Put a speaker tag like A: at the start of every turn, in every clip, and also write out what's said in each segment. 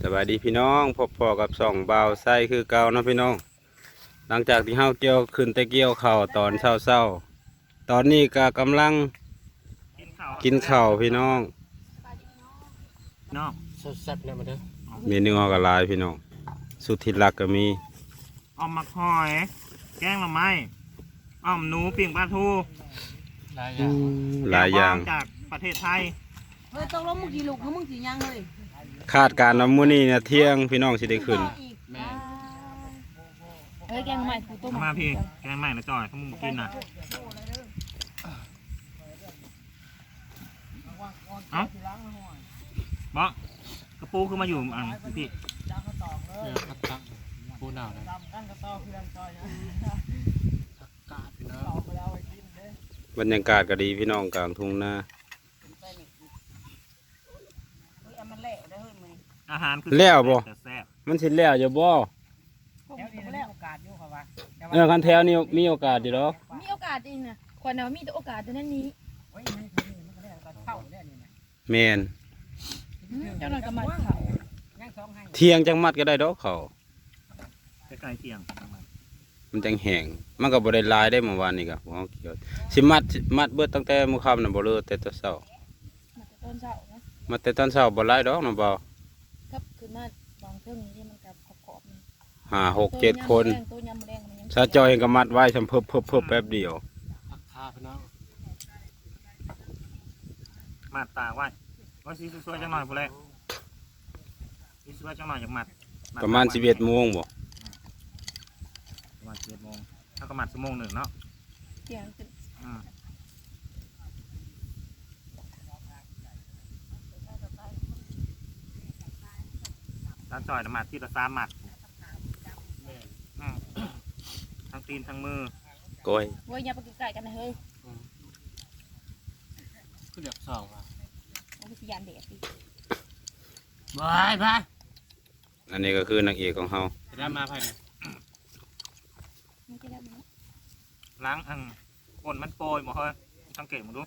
A: บายดีพี่น้องพบพอกับส่องบ่าวไส้คือเก่าเนาะพี่น้องหลังจากที่เฮาเกี่ยวขึ้นแต่เกี่ยวข้าวตอนเช้าตอนนี้ก็กำลังกินข้าวพี่น้อง
B: น้อง
C: แซ่บๆเนี่ยมาเด้อ
A: เมนูเฮาก็หลายพี่น้องสุดที่รักก็มี
B: อ้อมมักหอยแกงหน่อไม้อ้อมหนูปิ้งปลาทู
C: หลายอย่าง
A: หลายอย่าง
B: แกงบองจากประเทศไทย
D: เฮ้ยตกลงมึงกี่ลูกมึงกี่ยังเฮ้ย
A: คาดการณ์ว่ามื้อนี้เนี่ยเที่ยงพี่น้องสิได้ขึ้น
C: แม่
D: เฮ้ยแกงใหม่คือต้ม
B: มาพี่แกงใหม่นะจอยเขามึงกินนะเอ้าบอกกระปูคือมาอยู่อันพี่
C: เนี่ยผัดตังปูหนาวนะผักกาดพี่น้อง
A: บรรยากาศก็ดีพี่น้องกลางทุ่งนา
B: อาหารคือ
A: แล้วบ่
B: แต่แซ่บ
A: มันสิแล้วอยู่บ่คันแถวนี้มีโอกาสอยู่ดอก
D: มีโอกาสจริงนะคนเรามีแต่โอกาสแต่นั้นนี้
A: แม่น
D: เจ้าหน่อยก็มาเขา
A: เที่ยงจังมัดก็ได้ดอกเขาว
B: ใกล้ๆเที่ยง
A: มันจังแห้งมันก็บ่ได้หลายได้เมื่อวานนี้ก็บ่เฮาเกี่ยวสิมัดเบิดตั้งแต่มื้อค่ำน่ะบ่เลิกแต่ตอนเช้า
D: มาแต่ต้นเสานะ
A: มาแต่ตอนเช้าบ่หลายดอกน้องบ่าว
D: ครับคือมาบางเครื่องนี้ที่มันกับขอบๆนี่
A: 5 6 7 คน
D: ตัวยำแดงมันยัง
A: ซาจอยเองก็มัดไว้ซำเพิ่บแป๊บเดียว
C: ผักคาพี่น้อง
B: มาตากไว้ว่าสีสวยๆจังหน่อยพวกแรกสีสวยจังหน่อยอย่างมัด
A: ประมาณ 11 โมงบ่
B: ประมาณ11 โมงถ้าก็มัด1 ชั่วโมงเนาะ
D: เสียงขึ้น
B: อืมร้านจอยน่ะมัดที่ละ3 หมัด
C: แม่
B: อืมทั้งตีนทั้งมือ
A: ก้อย
D: เว้ยอย่าไปใกล้กันนะเฮ้ย
C: ก็เดือดสองอ่ะ
D: มันคือยันเด็ดดิ
C: บายบาย
A: อันนี้ก็คือนางเอกของเฮา
C: จะได้มาภายใน
D: ไม่ใช่แล้วนะ
B: ล้างก้นมันโปรยหมดเฮ้ยสังเกตมึงดู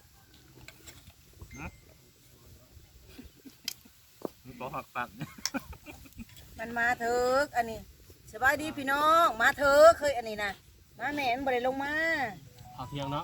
B: มึงบอกหักปัก
E: มันมาเถิกอันนี้สบายดีพี่น้องมาเถิกเคยอันนี้นะมาแม่นบ่ได้ลงมา
C: ผักเที่ยงเนาะ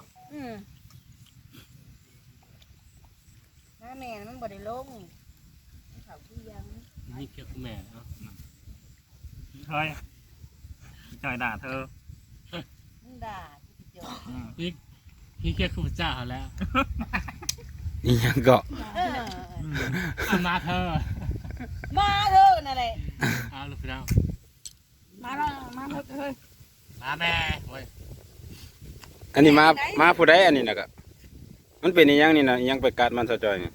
E: มาแม่นมันบ่ได้ลงเขาที่ยัง
C: นี่เกี่ยวกับแม่เนาะ
B: เฮ้ยจอยด่าเธอ
E: มึงด่าที่เจอ
B: อืม
C: พี่เกี่ยวกับเจ้าเขาแล้ว
A: อีหยังก็
C: เอามาเธอ
E: มาเถิกนั่นแหละ
C: เอาลูกพี่น้อง
D: มาแล้วมาเฮ้ย
C: มาแม่โอ้ย
A: อันนี้มาผู้ใดอันนี้น่ะก็มันเป็นอีหยังนี่น่ะอีหยังไปกัดมันซะจอยนี่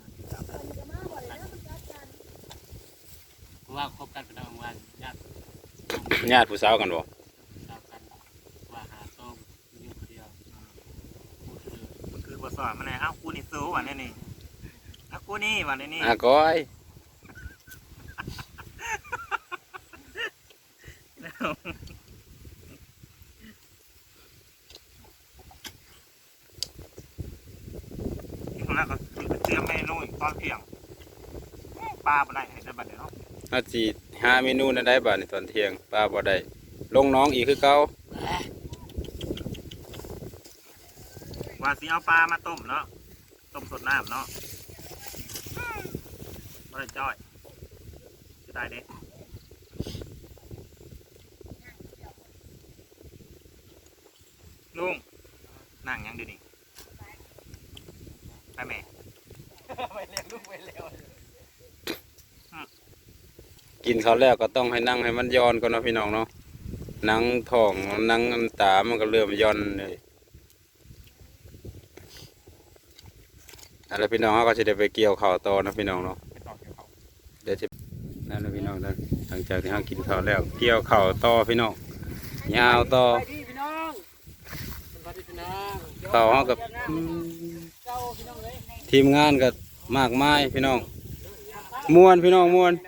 C: ว่าคบกันเป็นวันญาติ
A: ญาติผู้สาวกันบ่
C: สาวกันว่าหาส้มอยู่คนเดียวพูดเลย
B: มันคือว่าสอนมันไงเอ้ากูนี่สู้วันนี้นี่เอ้ากูนี่วันนี้
A: ก้อย
B: ที่คนแรกก็คือเตรียมเมนูอีกตอนเที่ยงปลาไปได้เห็นได้บัดเดี๋ยวเนาะ
A: เฮาสิหาเมนูนั้นได้บัดนี้ตอนเที่ยงป้าบ่ได้ลงน้องอีกคือเก่า
B: ว่าสิเอาปลามาต้มเนาะต้มสดน้ำเนาะไม่ได้จ้อยจะได้เด้ลุงนั่งยังดูนี่ไปแม่
A: กินข้าวแล้วก็ต้องให้นั่งให้มันย้อนก่อนเนาะพี่น้องเนาะนั่งท้องนั่งน้ำตามันก็เริ่มย้อนเลยอะไรพี่น้องเขาก็จะได้ไปเกี่ยวข้าวต่อนะพี่น้องเนาะเดี๋ยวจะนั่นนะพี่น้องนั่นหลังจากที่เขากินข้าวแล้วเกี่ยวข้าวต่อพี่น้องยาวต่อ
E: ไปดีพี่น้อง
C: สวัสดีพี่น้อง
A: ข้าวเขากับ
E: เจ้าพี่น้องเลย
A: ทีมงานก็มากมายพี่น้องม่วนพี่น้องม่วน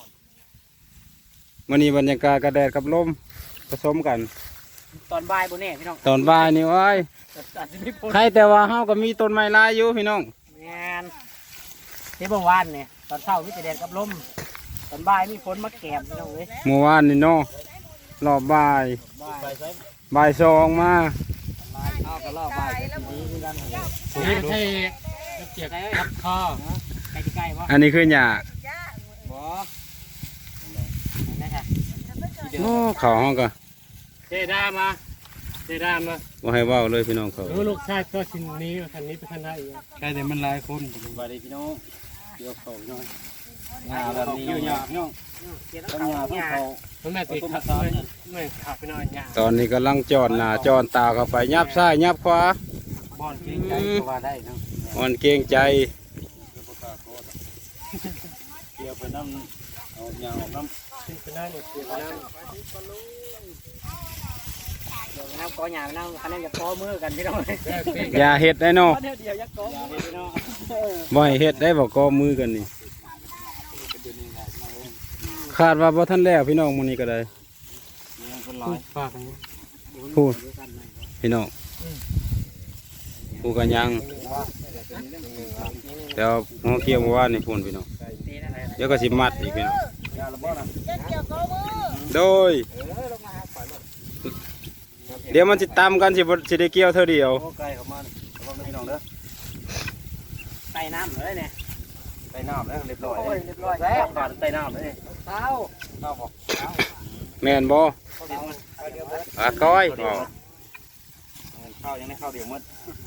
A: วันนี้บรรยากาศกระแดดกับลมผสมกัน
E: ตอนบ่ายบ่แน่พี่น้อง
A: ตอนบ่ายนี่ว้าย
E: อาจจะมีฝน
A: ใครแต่ว่าเฮาก็มีต้นไม้หลายอยู่พี่น้อง
E: แม่นที่บ่วานเนี่ยตอนเช้ามีแต่แดดกับลม
C: ตอนบ่ายมีฝนมาแกมพี่น้องเอ้ย
A: เมื่อวานนี่เนาะรอบบ่าย
C: บ่าย
A: บ่ายสองมา
C: เอากระรอกบ่ายทีนี้คือกันนี่ใช่เจ็บคัดคอใกล้ๆวะ
A: อันนี้คือหญ้า
C: บ่นั่นค่ะ
A: โอ้เขาห้องก็
C: เจด้ามา
A: บ่ให้เว้าเลยพี่น้องเขา
C: ลูกชายก็ชิ้นนี้คันนี้ไปคันได้อีกใช่แต่มันหลายคนเป็นบาดีพี่น้องเกี่ยวเขาน้อยงาแบบนี้ยากน้องต้องงาต้องเขามันแม่ติดขัดไม่ขับไปหน่อยยาก
A: ตอนนี้กำลังจอดหน้าจอดตาเข้าไปยับซ้ายยับขวา
C: บอลเก่งใจก็ว่าได้นะ
A: อ่อนเกรงใจ
C: เกี่ยวไปน้ำเอายางออกน้ำขึ้นไปได้เนี่ยเกี่ยวไปน้ำเดี๋ยวน้ำก้อนหยาบน้ำคะแนนจะก้อมือกันพี่น้อง
A: อย่าเฮ็ดได้เนาะ
C: เดี๋ยวยักก้อมือพี่น้อง
A: บ่ให้เฮ็ดได้บ่ก็มือกันนี่คาดว่าบ่ทันแล้วพี่น้องมื้อนี้ก็ได้
C: คนร้อยฝากกัน
A: พูดพี่น้องผู้กันยังแต่ว่าหัวเกี่ยวเมื่อวานนี่พูนพี่น้องเดี๋ยวก็สิมัดอีกพี่น้องโดยเดี๋ยวมันสิตำกันสิได้เกี่ยวเท่าเดียว
C: โอ้ไก่เข้ามาระวังนะพี่น้องเด้อไต่น้ำเลยเนี่ยไต่น้ำแล้วเรียบร้อยเรียบร้อยแล้วบาดไต่น้ำเลยเท้าบอก
A: แม่นบ่ก้อยบ่
C: ข้าวยังไม่ข้าวเดียวมด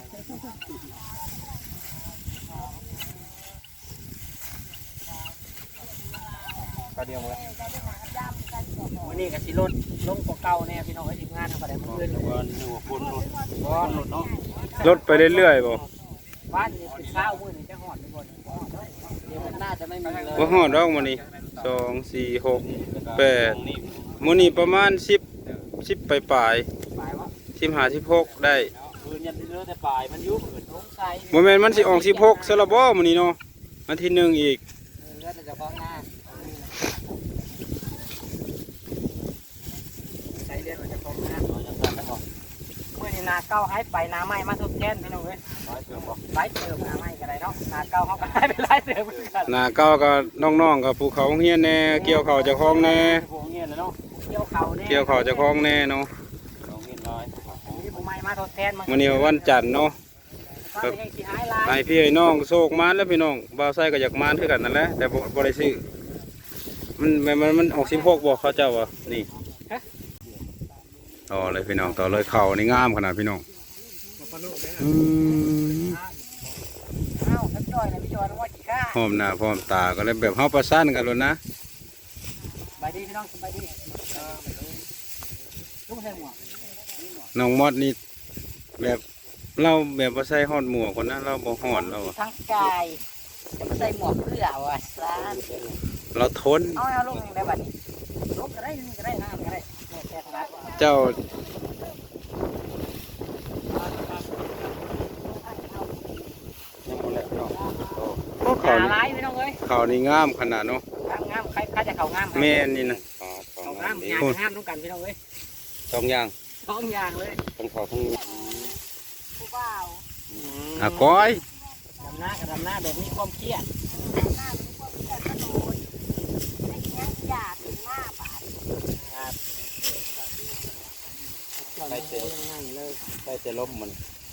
C: ข้าวเดียวหมดวันนี้กับชิลดลงกว่าเก่าแน่พี่น้องให้ทีมงานทำอะไรมันขึ้นวันหนึ่งคนรถเนาะ
A: ลดไปเรื่อยๆบ่
C: บ้านนี่เป็นข้าวมื้อนี้จะหอดทุกคนเดี๋ยวมันน่าจะไม่มีเลย
A: บ่ฮอดดอกมื้อนี้2 4 6 8มื้อนี้ประมาณ10ปลาย
C: ปลายวะ
A: 15 16ได้
C: คืนยันเลือแต่ปลายมันยุ่งเหมือนสงสัย
A: บ่แม่นมันสิออก16ซะละบ่มื้อนี้เนาะวันที่1อีก
C: เลือดจะฟ้องหน้าใช้เลือดมันจะฟ้องหน้าเมื่อนี้นาเก้าให้ไปนาไม้มาทดแทนพี่น้องเว้ยไล่เติมนาไม้กันไรเนาะนาเก้าเขาก็ให้ไปไล่เติมกัน
A: หน้าเก่าก็น้องๆก็ภูเขาเฮียนแน่เกี่ยวข้าวเจ้าของแน่
C: เงี้ยเลยเนาะเกี่ยวเข่าเนี่ย
A: เกี่ยวข้าวเจ้าของแน่เนาะ
C: นี่ผมไม่มาทดแทนมา
A: มื้อนี้วันจันทร์เนาะ
C: ครับยังสิหายลาย
A: ให้พี่ให้น้องโชคมานแล้วพี่น้องบ่าวไส้ก็อยากมานคือกันนั่นแหละแต่บ่ได้ซื้อมันออก16บ่เขาเจ้าว่านี่ต่อเลยพี่น้องต่อเลยเข่านี่งามขนาดพี่น้องอืม
C: อ้าวท่านจอยนะพี่จอยน้องว่ากี่ข้า
A: พร้อมหน้าพร้อมตาก็เลยแบบเฮาประสานกันแล้วนะ
C: สบายดีพี่น้องสบายดีลูกใส่หมวก
A: น้องมอดนี่แบบเราแบบบ่ใส่ฮอดหมวกคนนะเราบ่ฮอดเราอะ
E: ทั้งกายจะมาใส่หมวกเพื่อว่าซาน
A: เราทน
E: เอาลงได้บัดนี้ลงก็ได้นี่ก็ได้น้ำก็ได้แต่ถนัด
A: เจ้าโอ้
E: ขา
A: เขานี่
E: ลายพี่น้องเอ้ย
A: เขานี่งามขนาดเนาะ
E: งามใครจะเขางาม
A: แม่นนี่นะ
C: เขางามงามงามต้องกันพี่น้องเอ้ย
A: สองอย่าง
C: สองอย่างเลย
A: ทั้งเขาทั้ง
E: ผู้บ่าว
A: อ่ะก้อย
C: ดำหน้ากับดำหน้าแบบมีความเครียด
E: หน้าเป็นคนที่กระโดดได้แค่หยาถึงหน้าบาด
C: ใส่เสื้อง่ายเลย
A: ใส่แต่ลมมัน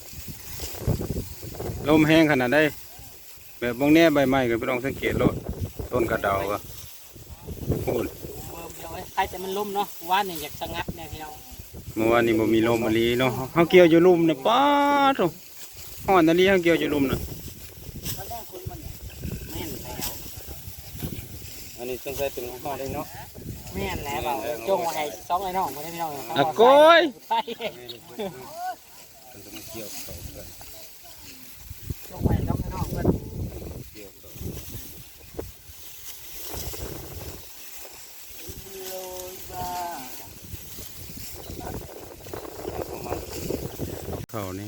A: ลมแห้งขนาดได้แบบบางแน่ใบไม้ก็พี่น้องสังเกตโลดต้นกระเดาก็พูด
C: พี่น้องเอ้ยใครแต่มันล่มเนาะว่านี่อยากสงัดเนี่ยพี่น้อง
A: เมื่อวานนี้บ่มีลมมะลีเนาะเฮาเกี่ยวอยู่ลุ่มน่ะป๊าดโอ้ฮ้อนนาลีเฮาเกี่ยวอยู่ลุ่มน่ะ
C: ตอนแรกคนมันแม่นแล้ว
A: อันนี้ต้องใส่เป็นฮ้อนได้เนาะ
C: แม่นแล้วเปล่าจงมาให้สองไอ้น้องมาได้พี่น้อง
A: อ่ะก้อย
C: ใช่จงไปสองไอ้น้องเพื่อน
A: เขานี่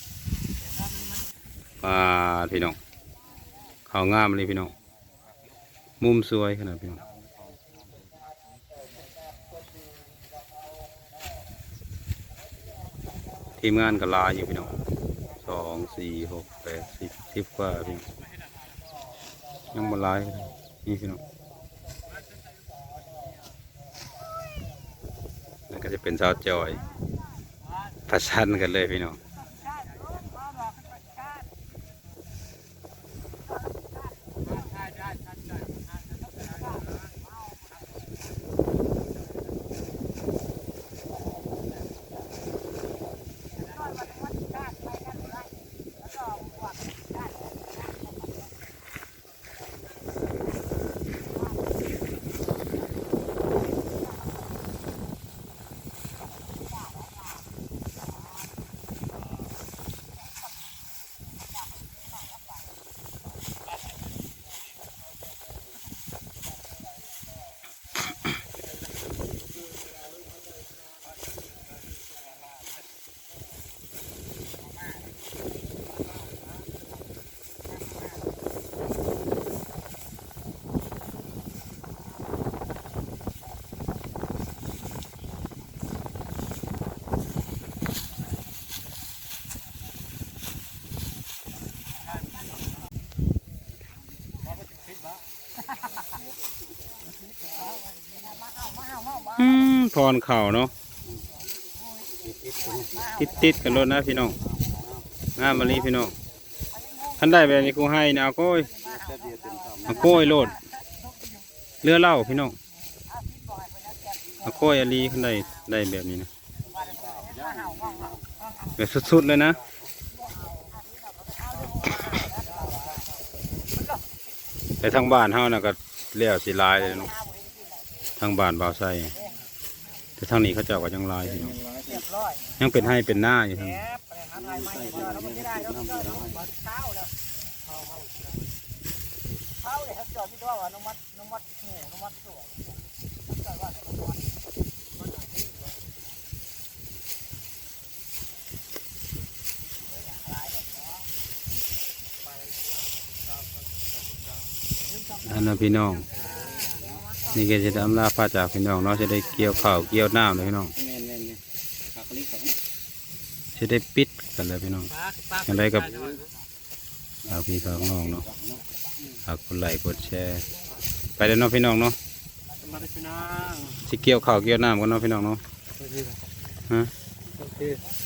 A: ปลาพี่น้องเขางามเลยพี่น้องมุมสวยขนาดพี่น้องทีมงานก็หลายอยู่พี่น้อง2 4 6 8 10 10กว่าพี่น้องยังบ่หลายเลยนี่พี่น้องก็จะเป็นสาวจอยประชันกันเลยพี่น้องพรเข่าเนาะติดกันรถนะพี่น้องงามมาลีพี่น้องท่านได้แบบนี้กูให้นะเอาโก้ยโลดเรือเล่าพี่น้องเอาโก้ยอาลีท่านได้แบบนี้นะแบบสุดๆเลยนะแต่ทางบ้านเฮานะก็เลี้ยวสีลายเลยเนาะทางบ้านบ่าวไส้แต่ทางนี้เขาเจ้าก็ยังลายพี่น้องยังเป็นให้เป็นหน้าอยู่ทางนี้อันนั้นพี่น้องนี่ก็จะได้อำลาพาจากพี่น้องเนาะจะได้เกี่ยวข้าวเกี่ยวน้ำเลยพี่น้องจะได้ปิดกันเลยพี่น้องอย่างไรกับเอาพี่ฝากน้องเนาะฝากกดไลค์กดแชร์ไปเลยเนาะพี่น้องเนาะสิเกี่ยวข้าวเกี่ยวน้ำกันเนาะพี่น้องเนาะฮะ